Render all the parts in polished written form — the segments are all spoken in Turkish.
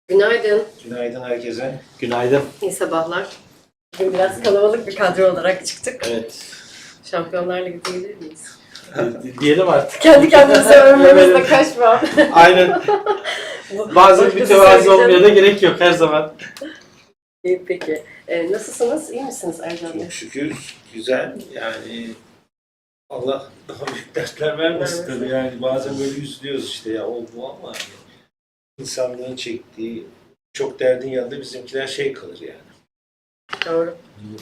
Günaydın. Günaydın herkese. Günaydın. İyi sabahlar. Bugün biraz kalabalık bir kadro olarak çıktık. Evet. Şampiyonlar Ligi diyebilir miyiz? Diyelim artık. Kendi kendimize övmemizle kaçma. Aynen. Bazen Başkası mütevazi olmaya da söyleyeceğim. gerek yok her zaman. İyi peki. Nasılsınız? İyi misiniz Ercan Bey? Çok şükür güzel. Yani Allah daha büyük dertler vermesin tabii. Yani bazen böyle üzülüyoruz işte ya o bu ama yani insanlığın çektiği çok derdin yanında bizimkiler şey kalır yani. Doğru.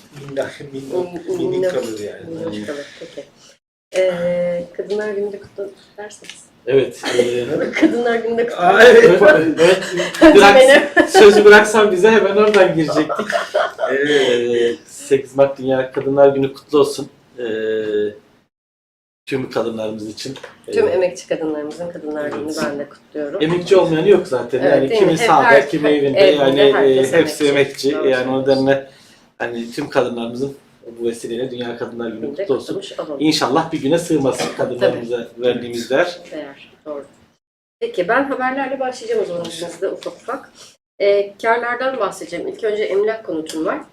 Minik kalır yani. Minnoş kalır. Peki. Kadınlar Günü'nde kutlu dersiniz. Evet. Kadınlar Günü'nde kutlu. Evet. Evet. Benim. Sözü bıraksan bize hemen oradan girecektik. 8 Mart Dünya Kadınlar Günü kutlu olsun. Tüm kadınlarımız için. Tüm emekçi kadınlarımızın Kadınlar Evet. Günü'nü ben de kutluyorum. Emekçi olmayanı yok zaten. Evet, Yani değil kimi mi? sahada, kimi evinde. evinde, Yani herkes hepsi emekçi. emekçi. Doğru Yani o söylüyorsun. nedenle hani tüm kadınlarımızın bu vesileyle Dünya Kadınlar Günü Günde kutlu olsun. kutlamış olalım. İnşallah bir güne sığmasın kadınlarımıza verdiğimiz değer. Değer. Doğru. Peki ben haberlerle başlayacağım o zaman sizde ufak ufak. Karlardan bahsedeceğim. İlk önce emlak konutum var.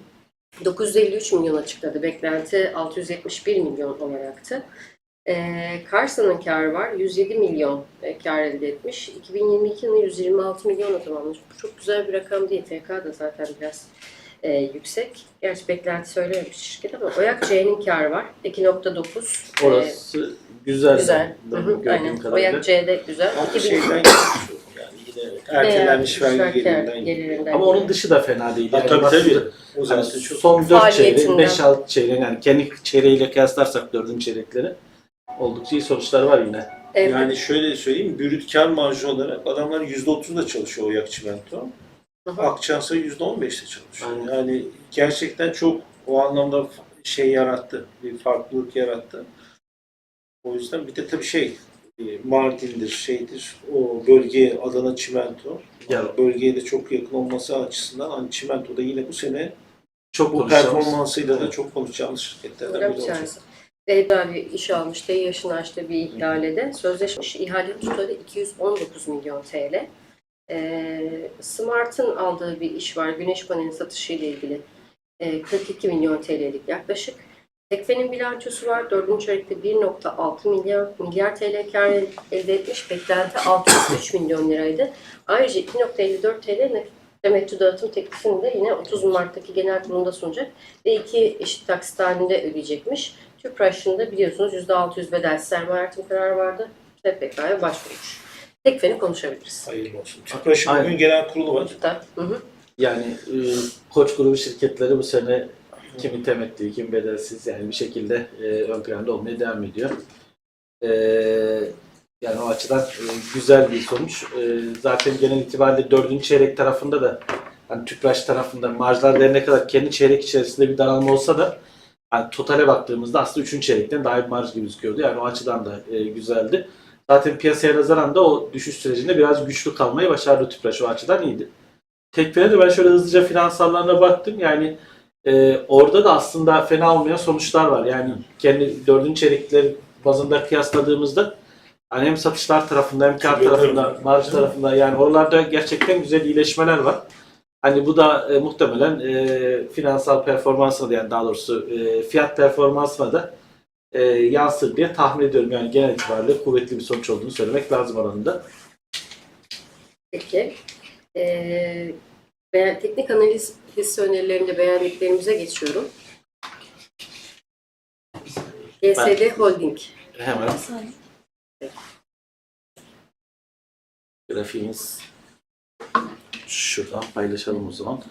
953 milyon açıkladı. Beklenti 671 milyon olaraktı. Karsa'nın karı var. 107 milyon kar elde etmiş. 2022 yılında 126 milyonla tamamlamış. Bu çok güzel bir rakam değil. TK da zaten biraz yüksek. Gerçi beklenti söylememiş şirket ama Oyak C'nin karı var. 2.9. Orası güzel. Güzel. Benim Hı hı, gördüğüm aynen. kadarıyla. Oyak C'de güzel. Ama 2000 şeyden gelmiş o. Yani yine ertelenmiş vergi gelirinden gelirinden. Ama onun dışı da fena değil. Yani tabii baktığında tabii. O hani zaten çok son 4 çeyreğin, Faaliyetinden. 5-6 çeyreğin yani kendi çeyreğiyle kıyaslarsak 4. çeyrekleri oldukça iyi sonuçlar var yine. yani şöyle söyleyeyim, brüt kar marjı olarak adamlar %30'da çalışıyor Oyak Çimento. Hı hı. Akçansa %15'te çalışıyor. Aynen. Yani gerçekten çok o anlamda şey yarattı, bir farklılık yarattı. O yüzden bir de tabii Mardin'dir, şeydir, o bölge Adana Çimento. Ya, Bölgeye de çok yakın olması açısından hani Çimento da yine bu sene çok bu konuşacağımız. performansıyla da çok konuşacağımız şirketlerden Öyle biri bir olacak. tanesi. Beyda bir iş almış, yaşını açtığı bir ihalede. Sözleşmiş ihale tutarı 219 milyon TL. Smart'ın aldığı bir iş var. Güneş paneli satışı ile ilgili. 42 milyon TL'lik yaklaşık. Tekfe'nin bilançosu var. 4. çeyrekte 1.6 milyar TL kar elde etmiş. Beklenti 603 milyon liraydı. Ayrıca 2.54 TL nakit temettü dağıtım teklifini de yine 30 Mart'taki genel kurulunda sunacak ve 2 eşit taksit halinde ödeyecekmiş. Tüpraş'ın da biliyorsunuz %600 bedelsiz sermaye artım kararı vardı. TPK'ya başvurmuş. Tekfe'ni konuşabiliriz. Hayırlı olsun. Tüpraş'ın Aynen. bugün genel kurulu var. Hı hı. Yani Koç grubu şirketleri bu sene kimi temettü, kimi bedelsiz yani bir şekilde ön planda olmaya devam ediyor. Yani o açıdan güzel bir sonuç. Zaten genel itibariyle 4. çeyrek tarafında da hani Tüpraş tarafında marjlar ne kadar kendi çeyrek içerisinde bir daralma olsa da hani totale baktığımızda aslında 3. çeyrekten daha bir marj gibi gözüküyordu. Yani o açıdan da güzeldi. Zaten piyasaya nazaran da o düşüş sürecinde biraz güçlü kalmayı başardı Tüpraş. O açıdan iyiydi. Tekfe'ne de ben şöyle hızlıca finansallarına baktım. Yani orada da aslında fena olmayan sonuçlar var. Yani kendi 4. çeyrekler bazında kıyasladığımızda hani hem satışlar tarafında hem kar tarafında, marj tarafında yani oralarda gerçekten güzel iyileşmeler var. Hani bu da muhtemelen finansal performansına da yani daha doğrusu fiyat performansına da yansır diye tahmin ediyorum. Yani genel itibariyle kuvvetli bir sonuç olduğunu söylemek lazım oranında. Peki. Teknik analiz hisse önerilerinde beğendiklerimize geçiyorum. GSD Holding. Hemen grafiğimiz şuradan paylaşalım o zaman.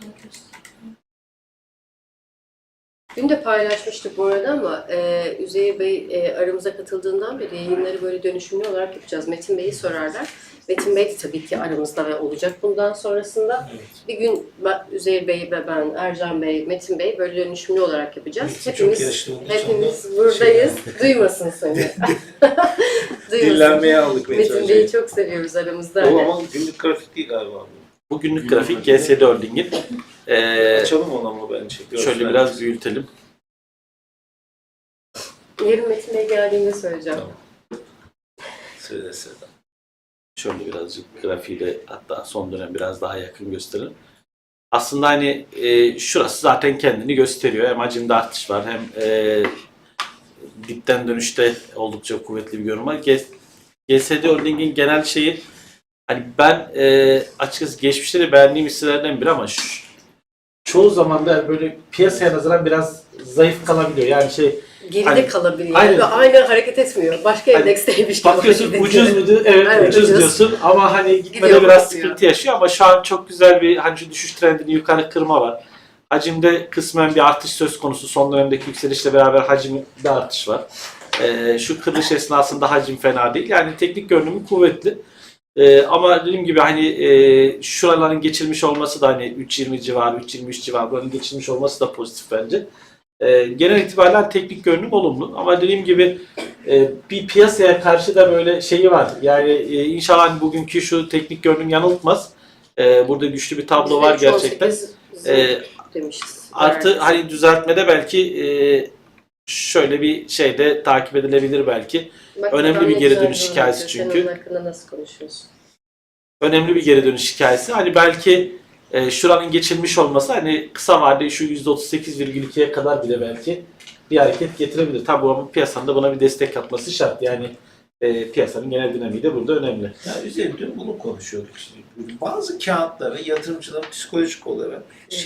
Dün de paylaşmıştık bu arada ama Üzeyir Bey aramıza katıldığından beri yayınları böyle dönüşümlü olarak yapacağız. Metin Bey'i sorarlar. Metin Bey de tabii ki aramızda ve olacak bundan sonrasında. Evet. Bir gün Üzeyir Bey ve ben, Ercan Bey, Metin Bey böyle dönüşümlü olarak yapacağız. Çok yaşlı olduğu için Hepimiz de buradayız. Duymasın seni. Duymasın. Dinlenmeye aldık Metin Bey'i çok seviyoruz aramızda. O Hani. ama günlük grafik değil galiba. Bu günlük grafik GSD Holding'in. Açalım onu ama bence. Şöyle biraz büyütelim. Yarın Metin Bey geldiğinde söyleyeceğim. Tamam. Söyle. Şöyle birazcık grafiğiyle hatta son dönem biraz daha yakın gösterelim. Aslında hani şurası zaten kendini gösteriyor. Hem hacimde artış var hem dipten dönüşte oldukça kuvvetli bir görünüm var. GSD Holding'in genel şeyi hani ben açıkçası geçmişte de beğendiğim hisselerden biri ama çoğu zaman da böyle piyasaya nazaran biraz zayıf kalabiliyor. Yani Geride hani, kalabiliyor. aynen. Ve aynı hareket etmiyor. Başka Hani endeksteymiş gibi bakıyorsun hareket ucuz ediyor. mu? Evet, Evet, ucuz ucuz. diyorsun ama hani gitmede Gidiyor, biraz bakmıyor. sıkıntı yaşıyor ama şu an çok güzel bir hani şu düşüş trendini yukarı kırma var. Hacimde kısmen bir artış söz konusu. Son dönemdeki yükselişle beraber hacimde artış var. Şu kırılış esnasında hacim fena değil. Yani teknik görünümü kuvvetli. Ama dediğim gibi hani şuraların geçilmiş olması da hani 3.20 civarı, 3.23 civarı buranın geçilmiş olması da pozitif bence. Genel itibariyle teknik görünüm olumlu ama dediğim gibi bir piyasaya karşı da böyle şeyi var. Yani inşallah hani bugünkü şu teknik görünüm yanıltmaz. Burada güçlü bir tablo var gerçekten. 3.18 demişiz. Artı Evet. hani düzeltmede belki şöyle bir şeyde takip edilebilir belki. Bak, önemli adam bir ne geri güzel dönüş yorum hikayesi yapıyor. çünkü. Sen onun hakkında nasıl konuşuyorsun? Önemli bir geri dönüş hikayesi. Hani belki şuranın geçilmiş olması hani kısa vadede şu %38,2'ye kadar bile belki bir hareket getirebilir. Tabii bu piyasanın da buna bir destek atması şart. Yani piyasanın genel dinamiği de burada önemli. Ya üzerinde dün bunu konuşuyorduk. Şimdi. Bazı kağıtlara yatırımcıların psikolojik olarak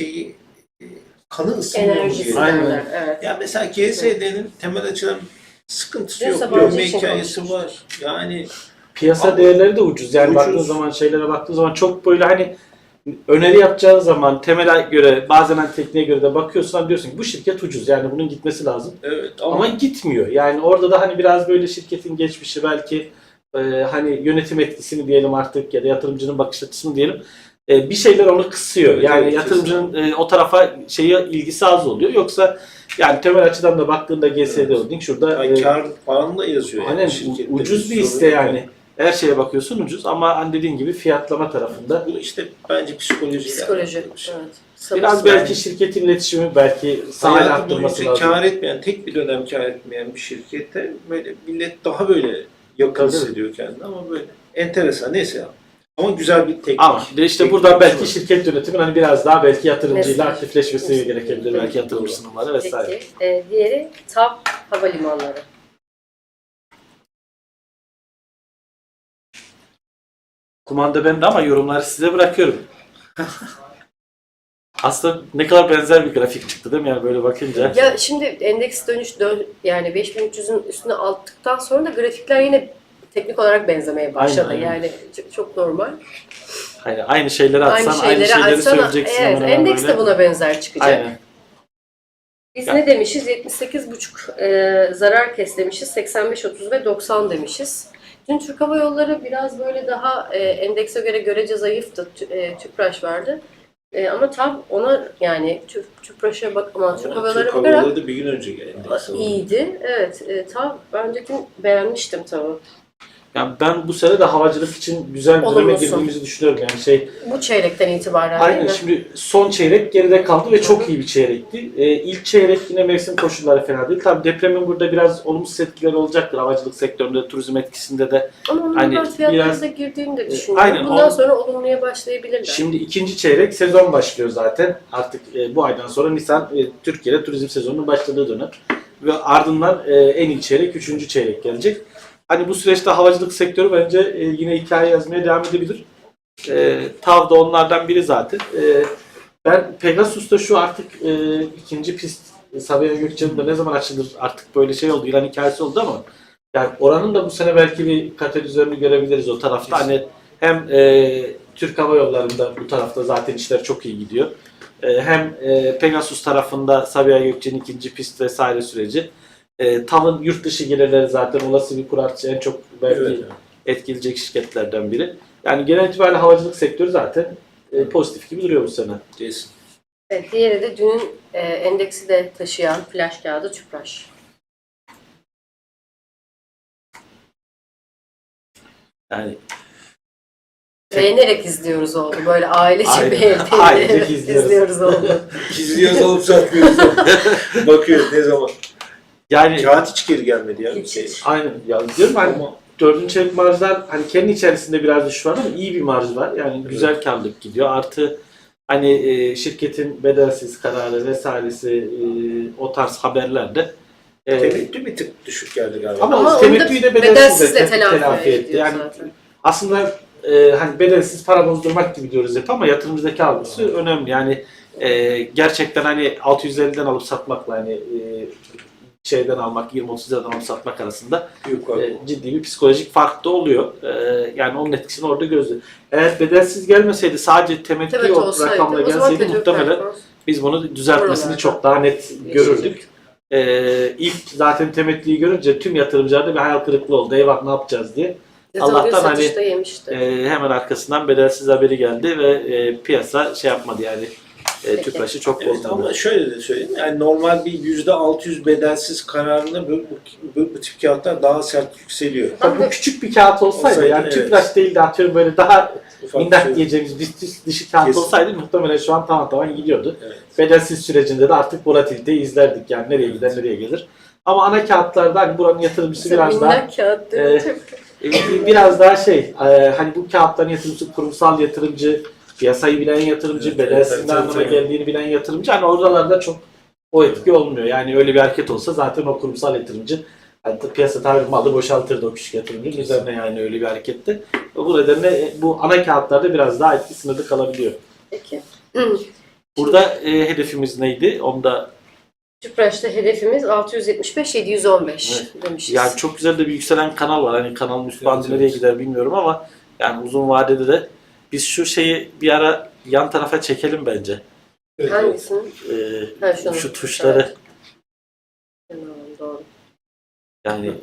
kanı ısınıyor Enerjisi diye. Aynen. derler. Evet. Ya mesela GSD'nin temel açıdan sıkıntısı Dün yok. Sabancı Büyüme için hikayesi konuşmuştuk. var. Yani Piyasa Ama değerleri de ucuz. Yani ucuz. baktığın zaman şeylere baktığın zaman çok böyle hani öneri yapacağın zaman temele göre bazen hani tekniğe göre de bakıyorsun hani diyorsun ki bu şirket ucuz yani bunun gitmesi lazım. evet Ama gitmiyor. Yani orada da hani biraz böyle şirketin geçmişi belki hani yönetim etkisini diyelim artık ya da yatırımcının bakış açısını diyelim bir şeyler onu kısıyor. Evet, Yani evet, yatırımcının o tarafa ilgisi az oluyor. Yoksa yani temel açıdan da baktığında GSD Holding şurada yani kar falan da yazıyor. aynen şirkette. ucuz bir sorun hisse yok. yani. Her şeye bakıyorsun ucuz ama hani dediğin gibi fiyatlama tarafında Bu işte bence psikoloji. Psikoloji. Evet. biraz Sabırsız. belki şirketin iletişimi belki sahaya Hayatı arttırması boyunca lazım. kar etmeyen, tek bir dönem kar etmeyen bir şirkette böyle millet daha böyle yakın Tabii. hissediyor kendini ama böyle enteresan neyse ya. Ama güzel bir teknik. Ama de işte teknik buradan bir belki şey şirket yönetimin hani biraz daha belki yatırımcıyla Mesaj. aktifleşmesi Mesaj. gerekebilir. Belki yatırım Doğru. sunumları vesaire. Peki. Diğeri TAV Havalimanları. Kumanda bende ama yorumları size bırakıyorum. Aslında ne kadar benzer bir grafik çıktı değil mi yani böyle bakınca? Ya şimdi endeks yani 5300'ün üstüne attıktan sonra da grafikler yine teknik olarak benzemeye başladı. Aynen, aynen. Yani çok normal. Hani aynı şeyleri Aynı atsan aynı şeyleri şeyleri açsana. söyleyeceksin Evet, hemen hemen endeks de böyle. buna benzer çıkacak. Aynen. Biz Ya. ne demişiz? 78,5 zarar kes demişiz. 85,30 ve 90 demişiz. Dün Türk Hava Yolları biraz böyle daha endekse göre görece zayıftı. Tüpraş vardı. Ama tam ona yani Tüpraş'a bak ama Türk Hava Yolları'na Türk bakarak Hava Yolları da bir gün önce geldi. iyiydi. Evet. Tam önceki beğenmiştim tabii. Yani ben bu sene de havacılık için güzel bir döneme Olumlusu. girdiğimizi düşünüyorum. Yani Bu çeyrekten itibaren aynen değil mi? şimdi son çeyrek geride kaldı ve Hı çok hı. iyi bir çeyrekti. İlk çeyrek yine mevsim koşulları fena değil. Tabii depremin burada biraz olumsuz etkileri olacaktır. Havacılık sektöründe, turizm etkisinde de. Ama onun Hani biraz fiyatlara biraz- da girdiğini de düşünüyorum. aynen, Bundan o- sonra olumluya başlayabilirler. Şimdi ikinci çeyrek sezon başlıyor zaten. Artık bu aydan sonra Nisan Türkiye'de turizm sezonunun başladığı dönem. Ve ardından en iyi çeyrek, üçüncü çeyrek gelecek. Hani bu süreçte havacılık sektörü bence yine hikaye yazmaya devam edebilir. TAV da onlardan biri zaten. Ben Pegasus'ta şu artık ikinci pist Sabiha Gökçen'in ne zaman açılır artık böyle şey oldu, ilan hikayesi oldu ama yani oranın da bu sene belki bir katalizörünü görebiliriz o tarafta. Hani hem Türk Hava Yolları'nda bu tarafta zaten işler çok iyi gidiyor. Hem Pegasus tarafında Sabiha Gökçen'in ikinci pist vesaire süreci. TAV'ın yurt dışı gelirleri zaten olası bir kur artışı en çok belki Evet. etkileyecek şirketlerden biri. Yani genel itibariyle havacılık sektörü zaten pozitif gibi duruyor bu sene. Kesin. Evet, diğeri de dün endeksi de taşıyan flash kağıdı Tüpraş. Yani Beğenerek izliyoruz oldu. Böyle ailece Aynen. Ailecek izliyoruz. izliyoruz oldu. İzliyoruz olup satmıyoruz. Bakıyoruz ne zaman. yani Kağıt hiç geri gelmedi ya. Hiç. aynen ya diyorum hani Ama dördüncü çeyrek marjlar hani kendi içerisinde biraz düşüş var ama iyi bir marj var. Yani güzel karlılık gidiyor. Artı hani şirketin bedelsiz kararı vesairesi o tarz haberlerde Temettü bir tık düşük geldi galiba. ama Ama onu da temettüyü de bedelsizle bedelsizle telafi etti. ediyor Yani zaten. aslında hani bedelsiz para bozdurmak gibi diyoruz hep ama yatırımcıdaki algısı önemli. Yani gerçekten hani 650'den alıp satmakla hani şeyden almak 20-30 liradan alıp satmak arasında Yukarı. ciddi bir psikolojik fark da oluyor. Yani onun etkisini orada gözlüyor. Eğer bedelsiz gelmeseydi sadece temettü Evet, o olsaydı, rakamla o zaman gelseydi kötü muhtemelen performans biz bunu düzeltmesini oralarda çok daha net görürdük. İlk zaten temettüyü görünce tüm yatırımcılarda bir hayal kırıklığı oldu. Eyvah ne yapacağız diye. Zaten Allah'tan Allah'tan hani satışta yemişti. hemen arkasından bedelsiz haberi geldi ve piyasa şey yapmadı yani Peki. Tüpraş'ı çok Evet, bozmadı. ama şöyle de söyleyeyim. Yani normal bir %600 bedelsiz kararında bu tip kağıtlar daha sert yükseliyor. Tabii bu küçük bir kağıt olsaydı, Olsaydı, yani evet. Tüpraş değil de atıyorum böyle daha Ufak bir minnak şey. diyeceğimiz dışı kağıt Kesin. olsaydı muhtemelen şu an tamam gidiyordu. Evet. Bedelsiz sürecinde de artık volatiliteyi izlerdik yani nereye gider nereye gelir. Ama ana kağıtlarda hani buranın yatırımcısı biraz daha Minnak kağıt değil mi? biraz daha hani bu kağıtların yatırımcısı kurumsal yatırımcı, piyasayı bilen yatırımcı, Evet, bedelsiz evet, ne anlama evet. geldiğini bilen yatırımcı hani oralarda çok o etki olmuyor. Yani öyle bir hareket olsa zaten o kurumsal yatırımcı hani piyasa tabiri malı boşaltırdı o küçük yatırımcının üzerine yani öyle bir harekette. Bu nedenle bu ana kağıtlarda biraz daha etki sınırlı kalabiliyor. Peki. Burada hedefimiz neydi? Onu da Tüpraş'ta hedefimiz 675-715 demişiz. yani çok güzel de bir yükselen kanal var. Hani kanalın üst bandı Evet, nereye evet. gider bilmiyorum ama yani uzun vadede de biz şu şeyi bir ara yan tarafa çekelim bence. Evet, evet. Hangisini? Ha, şunu. Şu tuşları Evet. Tamam, doğru. yani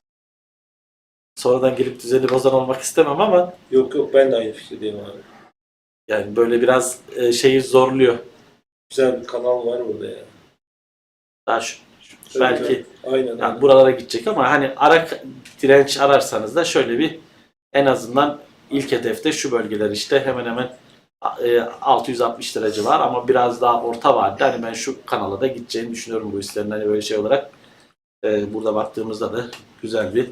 sonradan gelip düzeni bozan olmak istemem ama Yok ben de aynı fikirdeyim abi. yani böyle biraz şeyi zorluyor. Güzel bir kanal var burada ya. Daha belki Evet. Aynen. yani buralara gidecek ama hani direnç ararsanız da şöyle bir en azından ilk hedefte şu bölgeler işte hemen hemen 660 derece var ama biraz daha orta vadede hani ben şu kanala da gideceğini düşünüyorum bu hislerin hani böyle şey olarak burada baktığımızda da güzel bir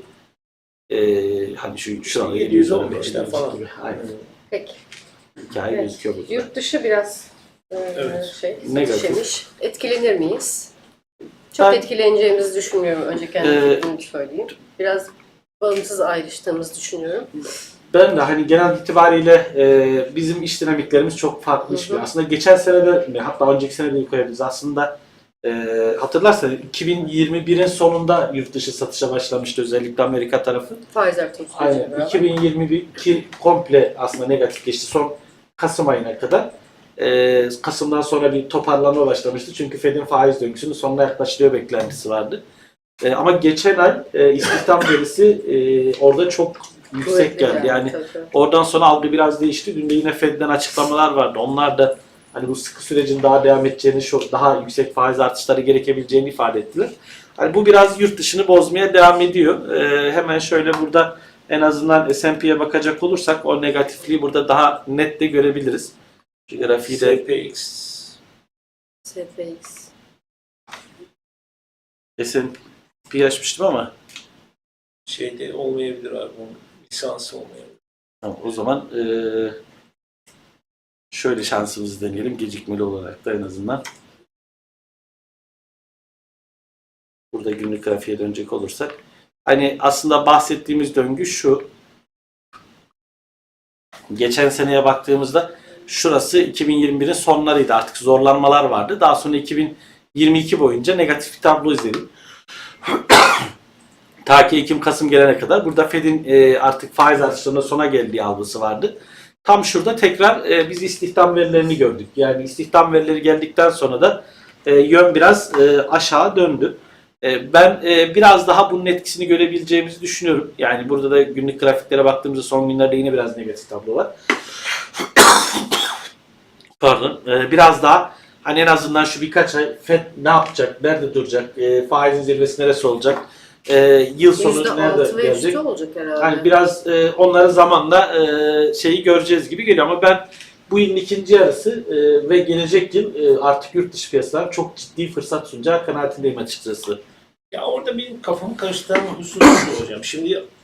hani şurada 715'ten falan. gibi. Aynen. Peki. Hikaye Evet. gözüküyor burada. Yurt dışı biraz Evet. Negatif. satış. Etkilenir miyiz? Çok Ben- etkileneceğimizi düşünmüyorum. Önce kendi Ee, fikrimi söyleyeyim. Biraz bağımsız ayrıştığımızı düşünüyorum. Ben de hani genel itibariyle bizim iş dinamiklerimiz çok farklı Hı hı. işliyor. Aslında geçen sene de hatta önceki sene de koyabiliriz. Aslında hatırlarsanız 2021'in sonunda yurt dışı satışa başlamıştı özellikle Amerika tarafı. Faiz artım süreciyle Aynen. beraber. 2022 komple aslında negatif geçti. Son Kasım ayına kadar. Kasım'dan sonra bir toparlanma başlamıştı. Çünkü Fed'in faiz döngüsünün sonuna yaklaşılıyor beklentisi vardı. Ama geçen ay istihdam verisi orada çok yüksek Kuvvetli geldi. Yani tabii. oradan sonra algı biraz değişti. Dün de yine Fed'den açıklamalar vardı. Onlar da hani bu sıkı sürecin daha devam edeceğini, daha yüksek faiz artışları gerekebileceğini ifade ettiler. Hani bu biraz yurt dışını bozmaya devam ediyor. Hemen şöyle burada en azından S&P'ye bakacak olursak o negatifliği burada daha net de görebiliriz. Şu grafiği de SPX. SPX. S&P açmıştım ama Şeyde olmayabilir abi. Onun lisansı olmayabilir. tamam, o zaman şöyle şansımızı deneyelim gecikmeli olarak da en azından. Burada günlük grafiğe dönecek olursak. Hani aslında bahsettiğimiz döngü şu. Geçen seneye baktığımızda şurası 2021'in sonlarıydı. Artık zorlanmalar vardı. Daha sonra 2022 boyunca negatif bir tablo izledik. Ta ki Ekim-Kasım gelene kadar burada Fed'in artık faiz artışlarının sona geldiği algısı vardı. Tam şurada tekrar biz istihdam verilerini gördük. Yani istihdam verileri geldikten sonra da yön biraz aşağı döndü. Ben biraz daha bunun etkisini görebileceğimizi düşünüyorum. Yani burada da günlük grafiklere baktığımızda son günlerde yine biraz negatif tablo var. Pardon. Biraz daha hani en azından şu birkaç ay Fed ne yapacak, nerede duracak, faizin zirvesi neresi olacak, yıl sonu nerede %6 ve gelecek? üstü olacak herhalde. Yani biraz onları zamanla şeyi göreceğiz gibi geliyor ama ben bu yılın ikinci yarısı ve gelecek yıl artık yurt dışı piyasalar çok ciddi fırsat sunacağı kanaatindeyim açıkçası. Ya orada benim kafamı karıştıran husus şu hocam. Şimdi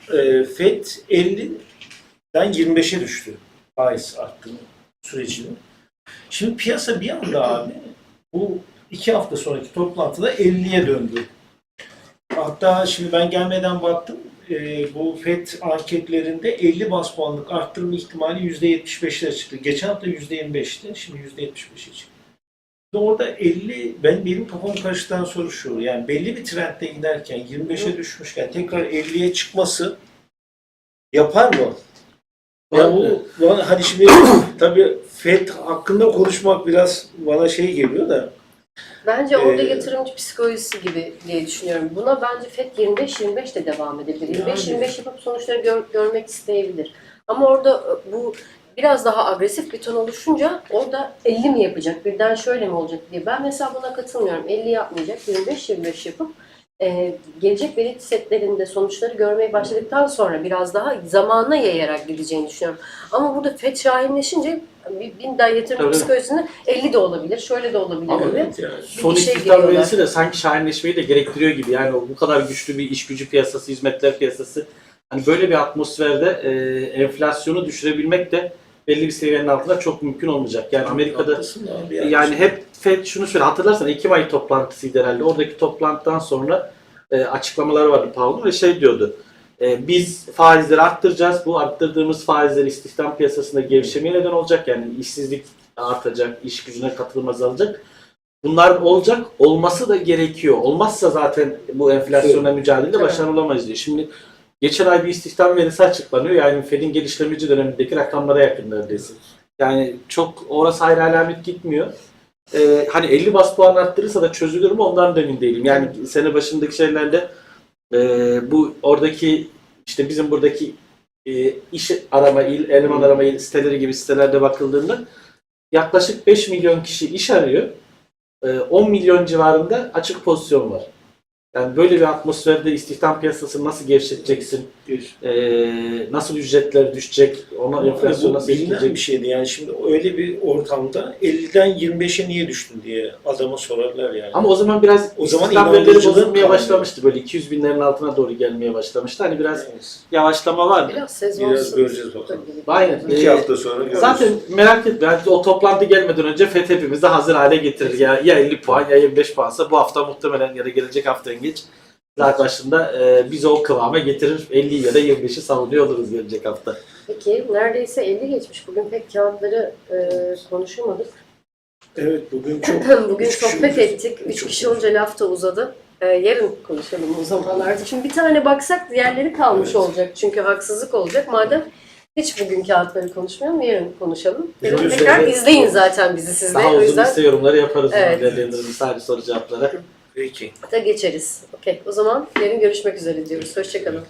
FED 50'den 25'e düştü faiz arttırma sürecini. Şimdi piyasa bir anda abi bu 2 hafta sonraki toplantıda 50'ye döndü. Hatta şimdi ben gelmeden baktım, bu FED anketlerinde 50 bas puanlık arttırma ihtimali %75'lere çıktı. Geçen hafta %25'ti, şimdi %75'e çıktı. Orada 50, benim kafam karıştıktan sonra şu, yani belli bir trendde giderken 25'e düşmüşken tekrar 50'ye çıkması yapar mı? Ya bu hani şimdi tabii FED hakkında konuşmak biraz bana şey geliyor da. Bence orada yatırımcı psikolojisi gibi diye düşünüyorum. Buna bence FED 25-25 de devam edebilir. 25-25 yapıp sonuçları görmek isteyebilir. Ama orada bu biraz daha agresif bir ton oluşunca orada 50 mi yapacak, birden şöyle mi olacak diye. Ben mesela buna katılmıyorum. 50 yapmayacak, 25-25 yapıp gelecek veri setlerinde sonuçları görmeye başladıktan sonra biraz daha zamanına yayarak gideceğini düşünüyorum. Ama burada FED şahinleşince bir daha yatırım psikolojisinde 50 de olabilir, şöyle de olabilir. Ama gibi. evet yani. Son Bir şey istihdam geliyorlar. verisi de sanki şahinleşmeyi de gerektiriyor gibi. Yani bu kadar güçlü bir iş gücü piyasası, hizmetler piyasası. Hani böyle bir atmosferde enflasyonu düşürebilmek de belli bir seviyenin altında çok mümkün olmayacak. Yani Amerika'da Abi yani hep FED şunu söyledi. Hatırlarsan Ekim ayı toplantısıydı herhalde. Oradaki toplantıdan sonra açıklamaları vardı Powell'ın ve şey diyordu. Biz faizleri arttıracağız. Bu arttırdığımız faizler istihdam piyasasında gevşemeye neden olacak. Yani işsizlik artacak, iş gücüne katılım azalacak. Bunlar olacak. Olması da gerekiyor. Olmazsa zaten bu enflasyonla mücadelede başarılı olamayız diyor. Şimdi geçen ay bir istihdam verisi açıklanıyor. Yani Fed'in gelişlemeci dönemindeki rakamlara yakın neredeyse. Yani çok orası hayra alamet gitmiyor. Hani 50 bas puan arttırırsa da çözülür mü ondan da emin değilim. Yani sene başındaki şeylerde bu oradaki işte bizim buradaki iş arama, eleman arama siteleri gibi sitelerde bakıldığında yaklaşık 5 milyon kişi iş arıyor. 10 milyon civarında açık pozisyon var. Yani böyle bir atmosferde istihdam piyasasını nasıl gevşeteceksin? Nasıl ücretler düşecek? Ona enflasyon nasıl bilinen etkileyecek? bir şeydi yani şimdi öyle bir ortamda 50'den 25'e niye düştün diye adama sorarlar yani. Ama o zaman biraz O zaman istihdam verileri inandırıcılığın bozulmaya kalmıyor. başlamıştı. Böyle 200 binlerin altına doğru gelmeye başlamıştı. Hani biraz yavaşlama vardı. Biraz sezonsuz. Biraz göreceğiz bakalım. Aynen. 2 hafta sonra göreceğiz. Zaten merak etme. Yani o toplantı gelmeden önce FED hepimizi hazır hale getirir. Ya 50 puan ya 25 puansa bu hafta muhtemelen ya da gelecek hafta en geç zaten başında bizi o kıvama getirir. 50 ya da 25'i savunuyor oluruz gelecek hafta. Peki neredeyse 50 geçmiş. Bugün pek kağıtları konuşamadık. Evet bugün çok Bugün üç kişi sohbet olacak. ettik. 3 kişi olunca laf da uzadı. Yarın konuşalım o zaman artık. Şimdi bir tane baksak diğerleri kalmış Evet. olacak. Çünkü haksızlık olacak. Madem hiç bugün kağıtları konuşmayalım, yarın konuşalım. Yarın Üzerine- tekrar izleyin zaten bizi siz de. Daha O uzun yüzden liste yorumları yaparız. Evet. Değerlendiririz sadece soru cevaplara. Peki. da geçeriz. Okey. O zaman yarın görüşmek üzere diyoruz. Hoşçakalın.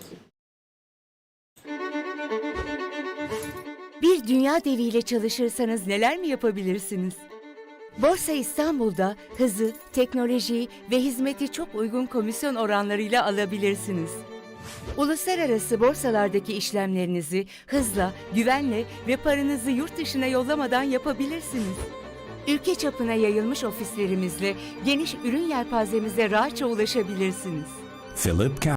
Bir dünya deviyle çalışırsanız neler mi yapabilirsiniz? Borsa İstanbul'da hızı, teknolojiyi ve hizmeti çok uygun komisyon oranlarıyla alabilirsiniz. Uluslararası borsalardaki işlemlerinizi hızla, güvenle ve paranızı yurt dışına yollamadan yapabilirsiniz. Ülke çapına yayılmış ofislerimizle geniş ürün yelpazemize rahatça ulaşabilirsiniz. Philip